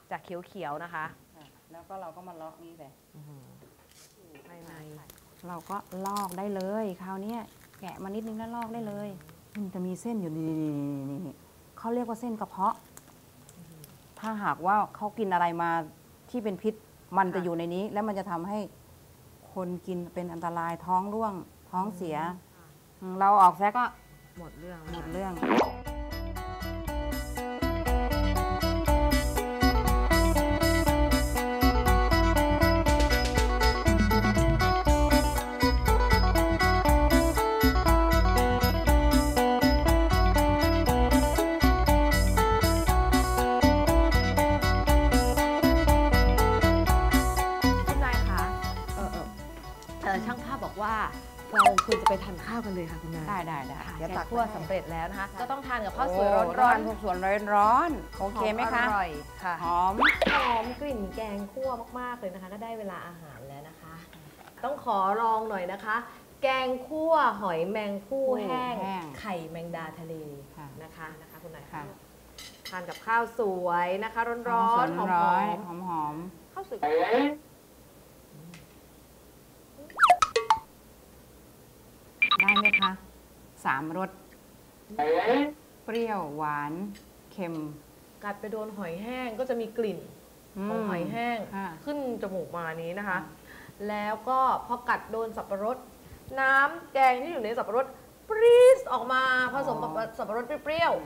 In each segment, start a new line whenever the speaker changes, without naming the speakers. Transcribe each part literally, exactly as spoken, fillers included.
จากเขียวๆนะคะ
แล้วก็เราก็มาเลาะนี่เลย
ภายใน
เราก็ลอกได้เลยคราวนี้แกะมานิดนึงแล้วลอกได้เลยมันจะมีเส้นอยู่นี่นี่เขาเรียกว่าเส้นกระเพาะถ้าหากว่าเขากินอะไรมาที่เป็นพิษมันจะอยู่ในนี้ แล้วมันจะทำให้คนกินเป็นอันตรายท้องร่วงท้องเสียเราออกแซะก็
หมดเรื่อง
หมดเรื่อง
ช่างภาพบอกว่าเราควรจะไปทานข้าวกันเลยค่ะคุณนาย
ได้ได้ได้
เดี๋ยวตักคั่วสำเร็จแล้วนะคะก็ต้องทานกับข้าวสวยร้อน
ๆข้าวสวยร้อนๆโอเคไหมคะ
อร่อยค่ะ
หอม
หอมกลิ่นแกงคั่วมากๆเลยนะคะก็ได้เวลาอาหารแล้วนะคะต้องขอลองหน่อยนะคะแกงคั่วหอยแมงผู้แห้งไข่แมงดาทะเลนะคะนะคะคุณนายค่ะทานกับข้าวสวยนะคะร้อนๆหอม
ๆหอม
ๆข้าวสวย
ได้ไหมคะสามรสเปรี้ยวหวานเค็ม
กัดไปโดนหอยแห้งก็จะมีกลิ่นของหอยแห้งขึ้นจมูกมานี้นะคะแล้วก็พอกัดโดนสับปะรดน้ำแกงที่อยู่ในสับปะรดปรี๊ดออกมาผสมกับสับปะรดเปรี้ยว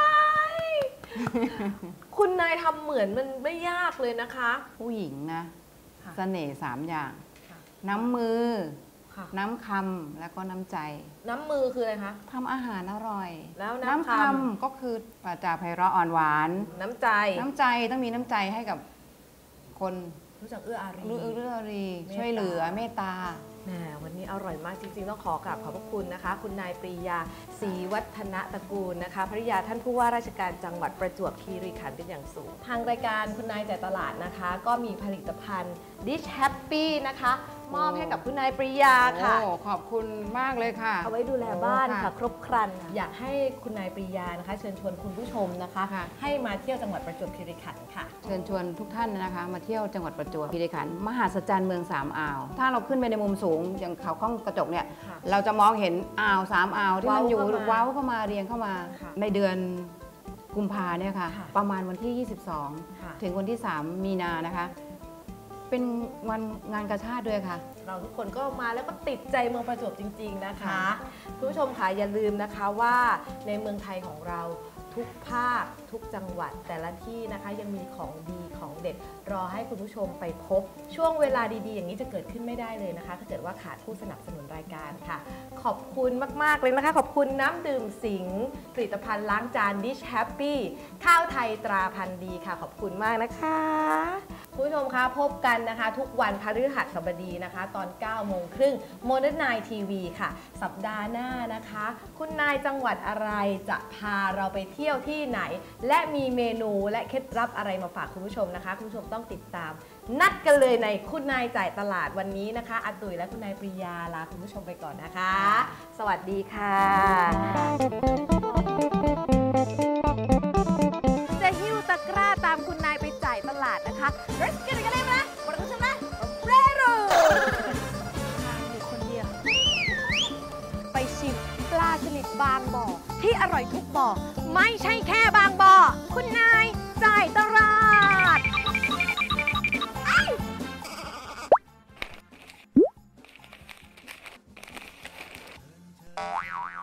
ๆคุณนายทำเหมือนมันไม่ยากเลยนะคะ
ผู้หญิงนะเสน่ห์สามอย่างน้ำมือน้ำคำแล้วก็น้ำใจ
น้ำมือคืออะไรคะ
ทำอาหารอร่อย
แล้ว
น้ำคำก็คือปราจาไพเราะอ่อนหวาน
น้ำใจ
น้ำใจต้องมีน้ำใจให้กับคน
รู้จักเอื้ออารี
รู้เอื้ออารีช่วยเหลือเมตตา
แหมวันนี้อร่อยมากจริงๆต้องขอกราบขอบพระคุณนะคะคุณนายปรียาศรีวัฒนตระกูลนะคะภริยาท่านผู้ว่าราชการจังหวัดประจวบคีรีขันธ์เป็นอย่างสูงทางรายการคุณนายจ่ายตลาดนะคะก็มีผลิตภัณฑ์ Dish Happy นะคะมอบให้กับคุณนายปรียาค่ะ
ขอบคุณมากเลยค่ะ
เอาไว้ดูแลบ้านค่ะครบครันอยากให้คุณนายปรียานะคะเชิญชวนคุณผู้ชมนะคะให้มาเที่ยวจังหวัดประจวบคีรีขันธ์ค่ะ
เชิญชวนทุกท่านนะคะมาเที่ยวจังหวัดประจวบคีรีขันธ์มหัศจรรย์เมืองสามอ่าวถ้าเราขึ้นไปในมุมสูงอย่างเขาข้องกระจกเนี่ยเราจะมองเห็นอ่าวสามอ่าวที่มันอยู่เว้าเข้ามาเรียงเข้ามาในเดือนกุมภาเนี่ยค่ะประมาณวันที่ยี่สิบสองถึงวันที่สามมีนานะคะเป็นวันงานกาชาติด้วยค่ะ
เราทุกคนก็มาแล้วก็ติดใจเมืองประจวบจริงๆนะคะคุณผู้ชมค่ะอย่าลืมนะคะว่าในเมืองไทยของเราทุกภาคทุกจังหวัดแต่ละที่นะคะยังมีของดีของเด็ดรอให้คุณผู้ชมไปพบช่วงเวลาดีๆอย่างนี้จะเกิดขึ้นไม่ได้เลยนะคะถ้าเกิดว่าขาดผู้สนับสนุนรายการค่ะขอบคุณมากๆเลยนะคะขอบคุณน้ำดื่มสิงห์ผลิตภัณฑ์ล้างจาน Dish Happy ข้าวไทยตราพันธุ์ดีค่ะขอบคุณมากนะคะคุณผู้ชมคะพบกันนะคะทุกวันพฤหัสบดีนะคะตอนเก้าโมงครึ่ง Modern Night ที วี ค่ะสัปดาห์หน้านะคะคุณนายจังหวัดอะไรจะพาเราไปเที่ยวที่ไหนและมีเมนูและเคล็ดลับอะไรมาฝากคุณผู้ชมนะคะคุณผู้ชมต้องติดตามนัดกันเลยในคุณนายจ่ายตลาดวันนี้นะคะอาตุ๋ยและคุณนายปรียาลาคุณผู้ชมไปก่อนนะคะสวัสดีค่ะจะหิ้วตะกร้าตามคุณนายไปจ่ายตลาดนะคะรัสกันกันเลยนะบริษัทนะเรรูทางอยู่คนเดียวไปชิมปลาสลิดบางบ่อที่อร่อยทุกบ่อไม่ใช่แค่บางบ่อคุณนายจ่ายตลาด